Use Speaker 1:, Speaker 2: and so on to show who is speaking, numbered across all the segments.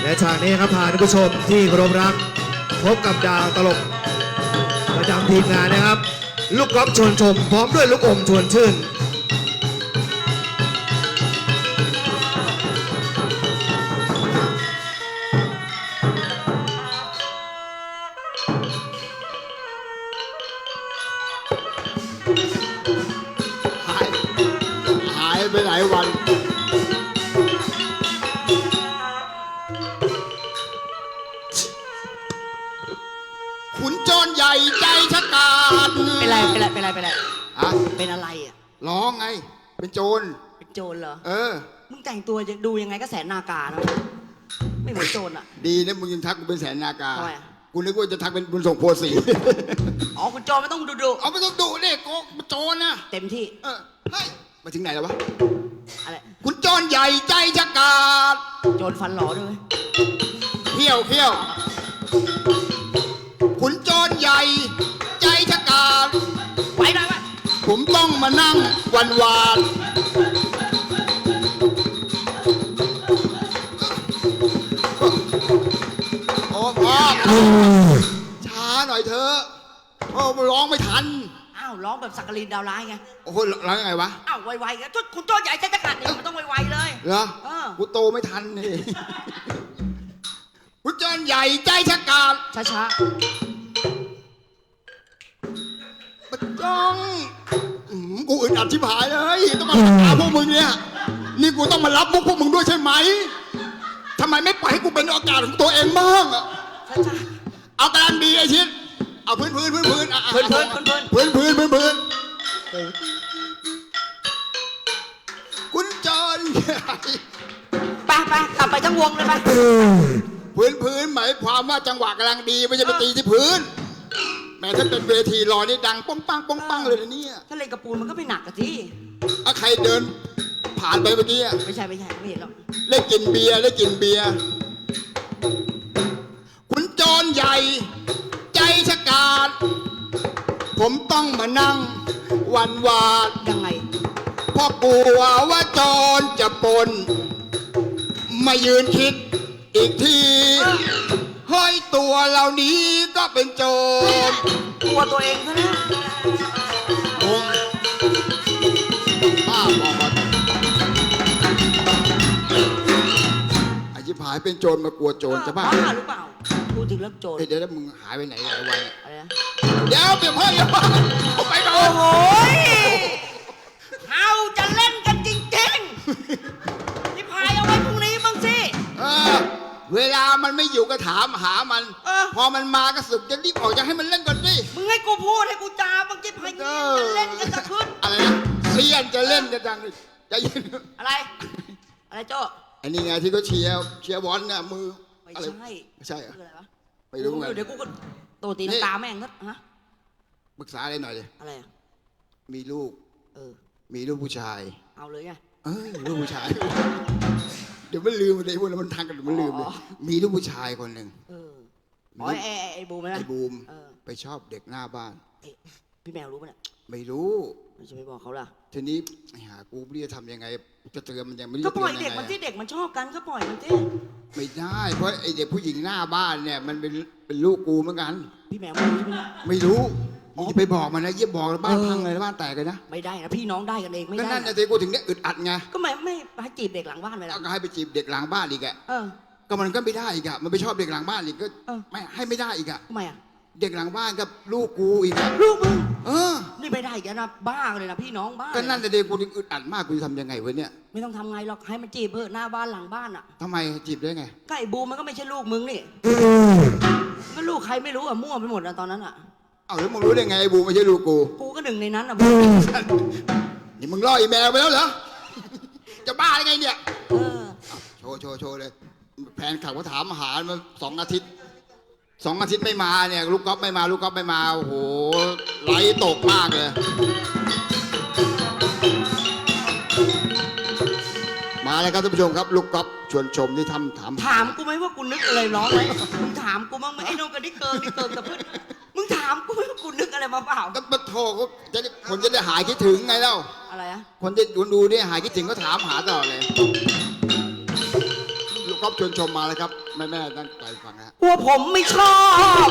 Speaker 1: และฉากนี้ครับพาท่านผู้ชมที่เคารพรักพบกับดาวตลกประจำทีมงานนะครับลูกกอล์ฟชวนชมพร้อมด้วยลูกอมชวนชื่น
Speaker 2: หายไปหลายวันขุนโจรใหญ่ใจชะกาจ
Speaker 3: เป็นไรอะเป็นอะไรอ่ะ
Speaker 2: ร้องไงเป็นโจร
Speaker 3: เป็นโจรเหรอ
Speaker 2: เออ
Speaker 3: มึงแต่งตัวจะดูยังไงก็แสนนากานะไม่เหมือนโจรอ่ะ
Speaker 2: ดีนะมึงยังทักกูเป็นแสนนากา
Speaker 3: ทำไมอะ
Speaker 2: กูนึกว่าจะทักเป็นบุญส่งโพสี
Speaker 3: อ๋อคุณโจรไม่ต้องดู
Speaker 2: เอาไม่ต้องดุเนี่ยโกโจรนะ
Speaker 3: เต็มที่
Speaker 2: เฮ้ยมาถึงไหนแล้ววะ
Speaker 3: อะไร
Speaker 2: ขุนโจรใหญ่ใจชะกาจ
Speaker 3: โจรฟันหล่อด้วย
Speaker 2: เขี้ยวขุนโจรใหญ่ใจชะกาจ
Speaker 3: ไว้หน่อยไว้
Speaker 2: ผมต้องมานั่งวันวานโอ้พ่อช้าหน่อยเถอะโอ้ร้องไม่ทัน
Speaker 3: อ้าวร้องแบบสักกลินดาวร้ายไง
Speaker 2: โอ้โหร้องยังไงวะ
Speaker 3: อ้าวไวๆกันคุณโจรใหญ่ใจจะกัดเนี่ยมันต้องไวๆเลย
Speaker 2: เหรอ
Speaker 3: เออ
Speaker 2: กูโตไม่ทันนี่ขุนโจรใหญ่ใจชะกาจ
Speaker 3: ช้า
Speaker 2: มันจ้องกูอึดอัดชิบหายเลยต้องมาหาพวกมึงเนี่ยนี่กูต้องมารับมุกพวกมึงด้วยใช่ไหมทำไมไม่ปล่อยให้กูเป็นโอกาสของตัวเองบ้างอะ
Speaker 3: ๆช้า
Speaker 2: เอากำลังดีไอ้ชิดเอาพื้นอ่ะ
Speaker 3: ๆพื้น
Speaker 2: คุณจอน
Speaker 3: ไปกลับไปทั้งวงเลยไป
Speaker 2: พื้นหมายความว่าจังหวะกำลังดีไม่ใช่ไปตีที่พื้นแม้ถ้าเป็นเวทีรอนี่ดังป้องปังเลยนะเนี่ย
Speaker 3: ถ้าเล่นกระปูนมันก็ไม่หนักกะที่
Speaker 2: ใครเดินผ่านไปเมื่อกี้
Speaker 3: ไม่ใช่ไม่เห็นหรอก
Speaker 2: ได้กินเบียร์คุณจอนใหญ่ใจชะกาจผมต้องมานั่งวันวาน
Speaker 3: ยังไง
Speaker 2: เพราะกลัวว่าโจรจะปล้นมายืนคิดอีกทีเฮ้ยตัวเหล่านี้ก็เป็นโจร
Speaker 3: กลัวตัวเองซะแล้ว
Speaker 2: งงบ้าบอกมาไอ้ชิบหายเป็นโจรมากลัวโจรจะบ้า
Speaker 3: หรือเปล่าพูดถึงเรื่องโจร
Speaker 2: เดี๋ยวมึงหายไปไหนหลายวัน
Speaker 3: อะไรนะ
Speaker 2: เดี๋ยวเปลี่ยนเพื่อนอย่าบ้าไปก่อน
Speaker 3: โอ้โหเอาจะเล่นกันจริงๆนี่พายเอาไว้พรุ่งนี้บ้างสิ
Speaker 2: เวลามันไม่อยู่ก็ถามหามัน พอมันมาก็สึกจะรีบออกจะให้มันเล่นก่อนดิ
Speaker 3: มึงให้กูพูดให้กูจาบางทีพายจะเล่นกันจะขึ้น
Speaker 2: อะไรนะเซียนจะเล่นจะดังจะยิน
Speaker 3: อะไรโจ้
Speaker 2: อันนี้ไงที่เขาเชียร์บอลน่ะมือ
Speaker 3: ไม่
Speaker 2: อะไร
Speaker 3: ใช่
Speaker 2: ไม่ใช่เหรอ
Speaker 3: คืออะไรวะ
Speaker 2: ไม่รู้ไง
Speaker 3: เดี๋ยวกูก็โตตีน้ำตาแม่งก็ฮะ
Speaker 2: ปรึกษาอะไรหน่อยเลย
Speaker 3: อะไรอ่ะ
Speaker 2: มีลูก มีลูกผู้ชาย
Speaker 3: เอาเลยไง
Speaker 2: ลูกผู้ชาย เดี๋ยวมันลืมเลยพวกนั้นมันทางกันเดี๋ยวมันลืมเลยมีลูกผู้ชายคนหนึ่ง
Speaker 3: ไอ้บูมไหมนะ
Speaker 2: ไอ้บูมไปชอบเด็กหน้าบ้าน
Speaker 3: พี่แมวรู้ปะเนี่ย
Speaker 2: ไม่รู้
Speaker 3: ไม่จะไม่บอกเขาล่ะ
Speaker 2: ทีนี้หากูไม่รู้จะทำยังไงจะเตือนมันยังไม่รู้
Speaker 3: ก็
Speaker 2: จะ
Speaker 3: ป
Speaker 2: เตื
Speaker 3: ล่
Speaker 2: อ
Speaker 3: อย
Speaker 2: น
Speaker 3: เด็
Speaker 2: ยั
Speaker 3: ก
Speaker 2: ง
Speaker 3: มันที่
Speaker 2: ไง
Speaker 3: เด็กมันชอบกันก็ปล่อยมันที่
Speaker 2: ไม่ได้เพราะไอเด็กผู้หญิงหน้าบ้านเนี่ยมันเป็นลูกกูเหมือนกัน
Speaker 3: พี่แมวไม่รู้ใช่ไหม
Speaker 2: ไม่รู้มึงจะไปบอกมันนะเยี่ยบอกแล้วบ้านพังเลยบ้านแตกเลยนะ
Speaker 3: ไม่ได้นะพี่น้องได้กันเองไม่
Speaker 2: ก็
Speaker 3: ได้
Speaker 2: นั่นนะสิกูถึงได้อึดอัดไง
Speaker 3: ก็ไม่ให้จีบเด็กหลังบ้านไปแล้ว
Speaker 2: ก็ให้ไปจีบเด็กหลังบ้านอีกอะ
Speaker 3: เออ
Speaker 2: ก็มันก็ไม่ได้อีกอะมันไปชอบเด็กหลังบ้านอีกก็
Speaker 3: เออ
Speaker 2: ไม่ให้ไม่ได้อีกอะ
Speaker 3: ทำไมอ่ะ
Speaker 2: เด็กหลังบ้านกับลูกกูอีกอะ
Speaker 3: ลูกมึง
Speaker 2: อ
Speaker 3: นี่ไม่ได้อีกแล้วนะบ้าเลยนะพี่น้องบ้า
Speaker 2: ก็นั่นนะเด็กกูถึงอึดอัดมากกูจะทำยังไงวะเนี่ย
Speaker 3: ไม่ต้องทำไงหรอกให้มันจีบเพื่อะหน้าบ้านหลังบ้านอ่ะ
Speaker 2: ทำไมจีบได้ไง
Speaker 3: ก็ไอ้บูมมันก็ไม่ใช่ลูกมึงนี่ก็ลูกใครไม่รู้อ่ะมั่วไปหมดนะตอนนั้นอ่ะ
Speaker 2: เอาแล้วมึงรู้ได้ไงไอ้บูไม่ใช่ลูกกู
Speaker 3: กูก็หนึ่งในนั้นอ่ะบูม
Speaker 2: นี่มึงล่ออีแมวไปแล้วเหรอ จะบ้าได้ไงเนี่ย
Speaker 3: เออ
Speaker 2: โชว์เลยแฟนขับเขาถามหามา2 อาทิตย์ไม่มาเนี่ยลูกก๊อฟไม่มาโอ้โหไหลตกมากเลยมาแล้วครับท่านผู้ชมครับลูกก๊อฟชวนชมที่ถาม
Speaker 3: กูไหมว่ากูนึกอะไรร้องไหมมึงถามกูบ้างไหมไอ้โนกันนี่เกินกับเพื่อนมึงถามกูไหมว่ากูนึกอะไรมาเปล่า
Speaker 2: ก็มาโทรเขาจะได้คนจะได้หายคิดถึงไงเล่า
Speaker 3: อะไรอะ
Speaker 2: คนจะดูเนี่ยหายคิดถึงก็ถามหาตลอดเลยลูกก๊อฟชวนชมมาแล้วครับแม่ตั้งใจฟังนะฮะ
Speaker 3: ว่าผมไม่ชอบ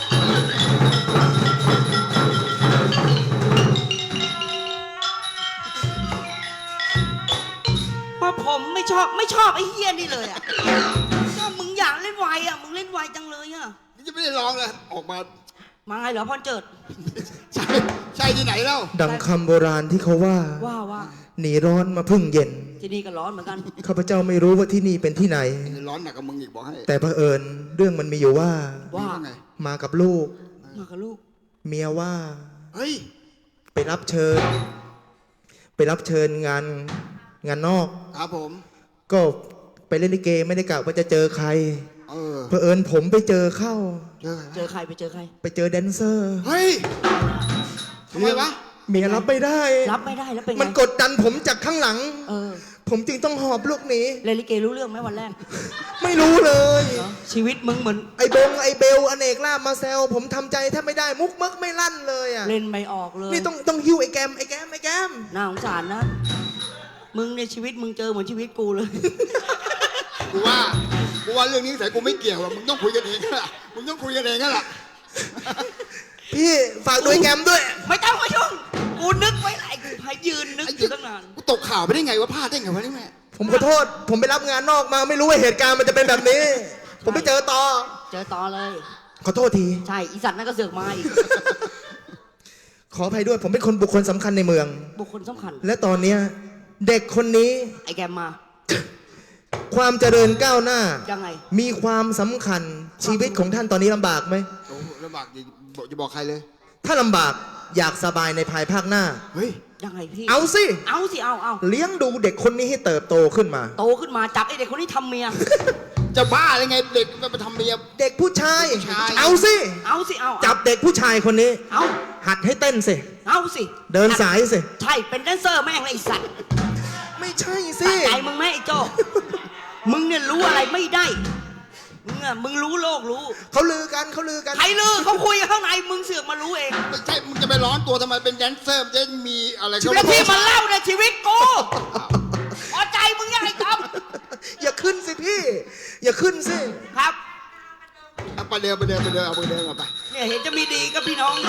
Speaker 3: ว่าผมไม่ชอบไอ้เฮี้ยนี่เลยอ่ะก็มึงอยากเล่นไวอ่ะมึงเล่นไวจังเลยอ่ะ
Speaker 2: นี่จะไม่ได้ร้องเลยออกมา
Speaker 3: มาไงเหรอพ่อเจิด
Speaker 2: ใช่ที่ไหนแล้ว
Speaker 1: ดังคำโบราณที่เขาว่า
Speaker 3: ว่า
Speaker 1: หนีร้อนมาพึ่งเย็น
Speaker 3: ที่นี่ก็ร้อนเหมือนกัน
Speaker 1: ข้าพเจ้าไม่รู้ว่าที่นี่เป็นที่ไหน
Speaker 2: ร้อนหนักกับมึงอีกบอกให้
Speaker 1: แต่เผอิญเรื่องมันมีอยู่ว่า
Speaker 3: ว่า
Speaker 2: ไง
Speaker 1: มากับลูก
Speaker 3: มากับลูก
Speaker 1: เมียว่า
Speaker 2: เฮ้ย
Speaker 1: ไปรับเชิญ งานนอก
Speaker 2: ครับผม
Speaker 1: ก็ไปเล่นลิเกไม่ได้กะว่าจะเจอใคร
Speaker 2: เออ
Speaker 1: เผอิญผมไปเจอเข้า
Speaker 3: เจอใครไปเจอใคร
Speaker 1: ไปเจอแดนเซอร์
Speaker 2: เฮ้ยทำไมวะ
Speaker 1: เมียรับไม่ได้
Speaker 3: รับไม่ได้แล้วเป็นไง
Speaker 1: มันกดดันผมจากข้างหลัง
Speaker 3: เออ
Speaker 1: ผมจึงต้องหอบลูกหนี
Speaker 3: เล่นลิเกรู้เรื่องไหมวันแรก
Speaker 1: ไม่รู้เลย
Speaker 3: ชีวิตมึงเหมือน
Speaker 1: ไอ้เบลอเนกลาบมาแซวผมทำใจแทบไม่ได้มุกมึกไม่ลั่นเลยอ่ะ
Speaker 3: เล่นไม่ออกเลย
Speaker 1: นี่ต้องหิ้วไอ้แกม
Speaker 3: น่าสงสารนะ มึงในชีวิตมึงเจอเหมือนชีวิตกูเลย
Speaker 2: กูว่าเรื่องนี้ใส่กูไม่เกี่ยวหรอกมึงต้องคุยกันเองนั่นแหละมึงต้องคุยกันเองนั่นแหละ
Speaker 1: พี่ฝากดูไอ้แกมด้วย
Speaker 3: ไม่ต้องมายุ่งกูนึกไว้หลายกูพายยืนนึกอยู่ตั้งนาน
Speaker 2: กูตกข่าวไปได้ไงวะพลาดได้ไงวะนี่แม่
Speaker 1: ผมขอโทษ ผมไปรับงานนอกมาไม่รู้ว่าเหตุการณ์มันจะเป็นแบบนี้ ผมไปเจอต่อ
Speaker 3: เจอต่อเลย
Speaker 1: ขอโทษที
Speaker 3: ใช่ อีสัตว์นั่นก็เสือกมาอีก
Speaker 1: ขออภัยด้วย ผมเป็นคนบุคคลสำคัญในเมือง
Speaker 3: บุคคลสำคัญ
Speaker 1: และตอนเนี้ยเด็กคนนี้
Speaker 3: ไอ้แกมมา
Speaker 1: ความเจริญก้าวหน้า
Speaker 3: ยังไง
Speaker 1: มีความสำคัญชีวิตของท่านตอนนี้ลำบากไหม
Speaker 2: โอ้ลำบากจะบอกใครเลย
Speaker 1: ถ้าลำบากอยากสบายในภายภาคหน้า
Speaker 2: เฮ้ย
Speaker 3: ยังไงพี่
Speaker 1: เอาสิ
Speaker 3: เอาสิ เอา
Speaker 1: เลี้ยงดูเด็กคนนี้ให้เติบโตขึ้นมา
Speaker 3: โตขึ้นมาจับไอ้เด็กคนนี้ทำเมีย
Speaker 2: จะบ้าอะไรไงเด็กมันไปทำเมีย
Speaker 1: เด็กผู้ชาย
Speaker 2: ผู้ชาย
Speaker 1: เอาสิ
Speaker 3: เอาสิ เอา
Speaker 1: จับเด็กผู้ชายคนนี้
Speaker 3: เอา
Speaker 1: หัดให้เต้นสิ
Speaker 3: เอาสิ
Speaker 1: เดินสายสิ
Speaker 3: ใช่ เป็นแดนเซอร์แม่งเลยไอ้สัตว์
Speaker 1: ไม่ใช่สิ
Speaker 3: สะใจมึงไหมไอ้โจ้ มึงเนี่ยรู้อะไรไม่ได้ มึงรู้โลกรู้
Speaker 1: เขาลือกัน
Speaker 3: ใครลือเขาคุยกันข้างใน มึงเสือกมารู้เอง
Speaker 2: ไม่ใช่มึงจะไปร้อนตัวทำไมเป็นแดนเซอร์มันจะมีอะไร
Speaker 3: แล้วที่มันเล่าในยชีวิตกูพอใจมึงยังไงครับ
Speaker 1: อย่าขึ้นสิพี่ อย่าขึ้นสิ
Speaker 3: ครับ
Speaker 2: เอาไปเดินเอาไปเดินเอาไป
Speaker 3: เนี่ยเห็นจะมีดีกับพี่น้อง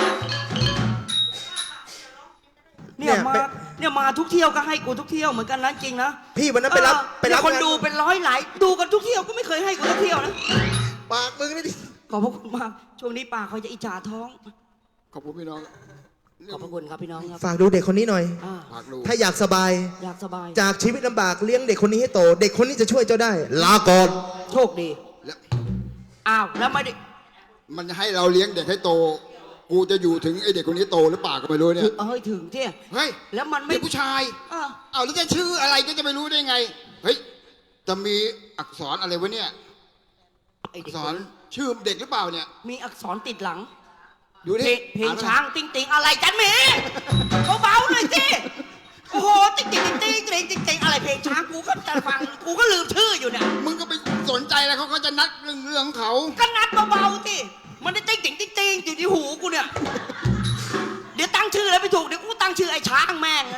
Speaker 3: เนี่ยมาทุกเที่ยวก็ให้กูทุกเที่ยวเหมือนกันนะจริงนะ
Speaker 1: พี่วันนั้นไปรับ
Speaker 3: เนี่ยคน
Speaker 1: งา
Speaker 3: ดูเป็นร้อยหลายดูกันทุกเที่ยวก็ไม่เคยให้กูทุกเที่ยวนะ
Speaker 1: ปากมึงนี่ดิ
Speaker 3: ขอบพระคุณมากช่วงนี้ปากเขาจะอิจฉาท้อง
Speaker 2: ขอบคุณพี่น้อง
Speaker 3: ขอบพระคุณครับพี่น้องครับ
Speaker 1: ฝากดูเด็กคนนี้หน่อย
Speaker 3: อ่า
Speaker 2: ฝากดู
Speaker 1: ถ้าอยากสบาย
Speaker 3: อยากสบาย
Speaker 1: จากชีวิตลำบากเลี้ยงเด็กคนนี้ให้โต เด็กคนนี้จะช่วยเจ้าได้ ลาก่อน
Speaker 3: โชคดี
Speaker 2: แล้ว
Speaker 3: อ้าวแล้วไม่ได้
Speaker 2: มันให้เราเลี้ยงเด็กให้โต กูจะอยู่ถึงไอเด็กคนนี้โตหรือเปล่าก็ไม่รู้เนี่ย
Speaker 3: ถึงที่
Speaker 2: เฮ้ย
Speaker 3: แล้วมันไม่
Speaker 2: เด็กผู้ชาย
Speaker 3: อ่า
Speaker 2: เอาแล้วจะชื่ออะไรก็จะไม่รู้ได้ไง เฮ้ย จะมีอักษรอะไรวะเนี่ย
Speaker 3: ไอ้
Speaker 2: อั
Speaker 3: เด็
Speaker 2: ก
Speaker 3: ก
Speaker 2: ษรชื่อเด็กหรือเปล่าเนี่ย
Speaker 3: มีอักษรติดหลัง
Speaker 2: ดูดิ
Speaker 3: เพลงช้างติ๊งติ๊งอะไรจันหมีเบาๆหน่อยสิโอ้โหติ๊งติ๊งติ๊งติ๊งติ๊งติ๊งอะไรเพลงช้างกูก็จะฟังกูก็ลืมชื่ออยู่เนี่ย
Speaker 2: มึงก็ไปสนใจแล้วเขาก็จะนัดเรื่องของเขา
Speaker 3: ก็นัดเบาๆสิมันได้ติ๊งติ๊งติ๊งติ๊งอยู่ที่หูกูเนี่ยเดี๋ยวตั้งชื่อแล้วไม่ถูกเดี๋ยวกูตั้งชื่อไอ้ช้างแม่ง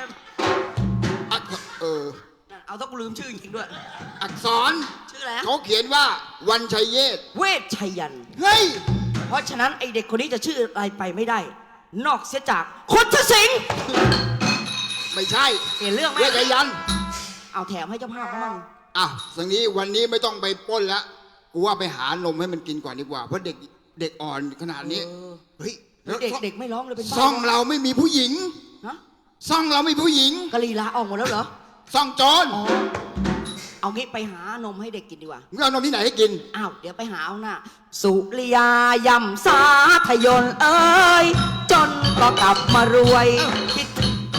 Speaker 3: เอาถ้ากูลืมชื่อจริงๆด้วย
Speaker 2: อักษร
Speaker 3: ชื่ออะไร
Speaker 2: เขาเขียนว่าวันชัยเยศ
Speaker 3: เวชชัยยันต์
Speaker 2: เฮ้ย
Speaker 3: เพราะฉะนั้นไอเด็กคนนี้จะชื่ออะไรไปไม่ได้ นอกเสียจากคนทสิงห์
Speaker 2: ไม่ใช่
Speaker 3: เห็นเรื่องไหม
Speaker 2: เวชยันต์
Speaker 3: เอาแถมให้เจ้าภาพเขามั่ง
Speaker 2: อ้าวสังนี้วันนี้ไม่ต้องไปปล้นแล้วกูว่าไปหานมให้มันกินก่อนดีกว่าเพราะเด็กอ่อนขนาดนี้เฮ้ยแล้ว
Speaker 3: เด็กไม่ร้องเลยเป็นบ้า
Speaker 2: ซ่องเราไม่มีผู้หญิง
Speaker 3: ฮะ
Speaker 2: ซ่องเราไม่มีผู้หญิง
Speaker 3: กะลีลาออกหมดแล้วเหรอ
Speaker 2: ซ่องโจร
Speaker 3: อ๋อเอางี้ไปหานมให้เด็กกินดีกว่า
Speaker 2: มึงเอานมที่ไหนให้กิน
Speaker 3: อ้าวเดี๋ยวไปหาเอาหน้าสุริยายำสาทยนเอ้ยจนก็กลับมารวยคิด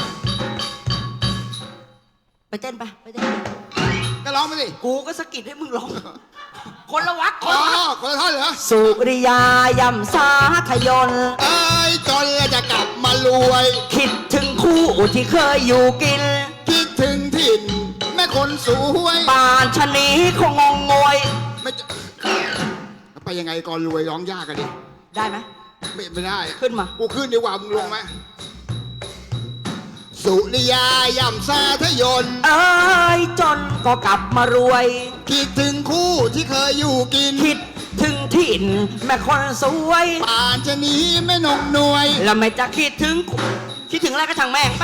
Speaker 3: ไปเต้นไปเต้น
Speaker 2: ก็ร้องไปสิ
Speaker 3: กูก็สะกิดให้มึงร้อง คนละวักค
Speaker 2: อ๋
Speaker 3: น
Speaker 2: อ
Speaker 3: ละวัก
Speaker 2: คนละท่อนเหรอ
Speaker 3: สุริยายำสาทยน
Speaker 2: เอ้ยจนแล้วจะกลับมารวย
Speaker 3: คิดถึงคู่ที่เคยอยู่กิน
Speaker 2: คิดถึงถิ่นแม่คนสวย
Speaker 3: ป่านชะนีคงงงงวย
Speaker 2: ไม่จะไปยังไงก่อนรวยร้องยากกันดิ
Speaker 3: ได้ไหม
Speaker 2: ไม่ได้
Speaker 3: ขึ้นมา
Speaker 2: กูขึ้นดีกว่ามึงลงไหมสสุริยาย่ำสาทยน
Speaker 3: เอ้ยจนก็กลับมารวย
Speaker 2: คิดถึงคู่ที่เคยอยู่กิน
Speaker 3: คิดถึงถิ่นแม่คนสวย
Speaker 2: ป่านจะหนีแม่นงหน่วย
Speaker 3: แล้วไม่จะคิดถึงอะไรก็ช่างแม่ง